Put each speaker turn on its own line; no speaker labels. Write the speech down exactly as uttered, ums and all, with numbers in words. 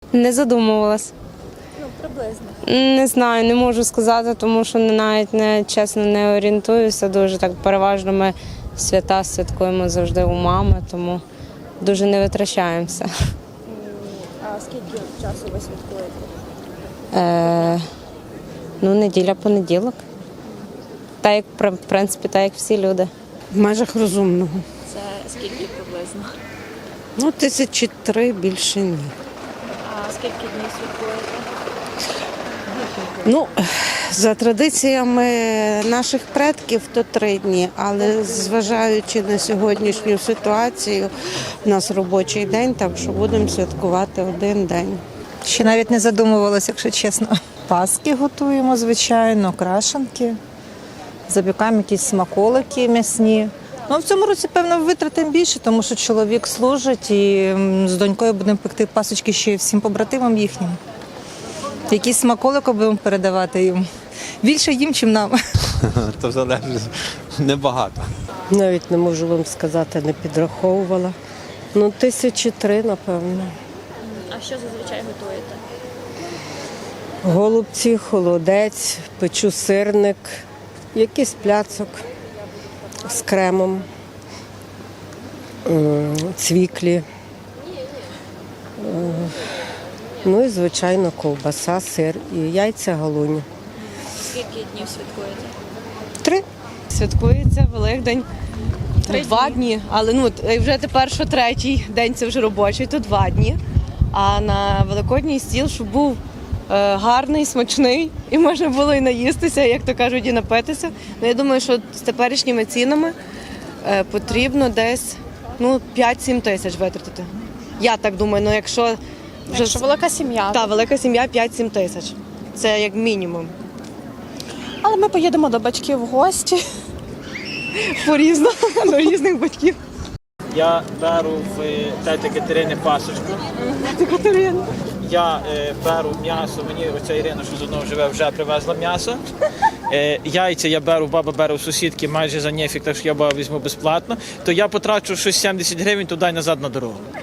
Не задумувалась.
Ну, приблизно.
Не знаю, не можу сказати, тому що не- навіть не чесно не орієнтуюся дуже. Так переважно ми свята святкуємо завжди у мами, тому дуже не витрачаємося.
А скільки часу ви святкуєте?
Е, ну, неділя, понеділок. Так як, в принципі, так як всі люди.
В межах розумного.
Це скільки приблизно?
Ну, тисячі три, більше ні.
А скільки днів святкуєте?
Ну, за традиціями наших предків, то три дні, але зважаючи на сьогоднішню ситуацію, у нас робочий день, так що будемо святкувати один день.
Ще навіть не задумувалася, якщо чесно. Паски готуємо, звичайно, крашенки, запікаємо якісь смаколики м'ясні. Ну, в цьому році, певно, витратимо більше, тому що чоловік служить і м, з донькою будемо пекти пасочки ще й всім побратимам їхнім. Якісь смаколики будемо передавати їм. Більше їм, чим нам.
То залежить небагато.
Навіть не можу вам сказати, не підраховувала. Ну, тисячі три, напевно.
А що зазвичай готуєте?
Голубці, холодець, печу сирник, якийсь пляцок з кремом, м, цвіклі. Е, Ну і, звичайно, ковбаса, сир і яйця галуні.
Скільки днів святкуєте?
Три.
Святкується Великдень
Три
два
дні.
дні, але ну от, вже тепер, що третій день це вже робочий, то два дні. А на великодній стіл, щоб був е, гарний, смачний, і можна було і наїстися, як то кажуть, і напитися. Ну, я думаю, що з теперішніми цінами е, потрібно десь ну, п'ять-сім тисяч витратити. Я так думаю, ну якщо вже
Якщо велика сім'я.
та велика сім'я п'ять-сім тисяч. Це як мінімум.
Але ми поїдемо до батьків в гості.
По-різному, до різних батьків.
Я беру в тети Катерини пасочку.
Катерина.
Я е, беру м'ясо, мені оця Ірина, що з одного живе, вже привезла м'ясо. Е, яйця я беру, баба бере у сусідки майже за нефік, так що я баба візьму безплатно. То я потрачу щось сімдесят гривень туди і назад на дорогу.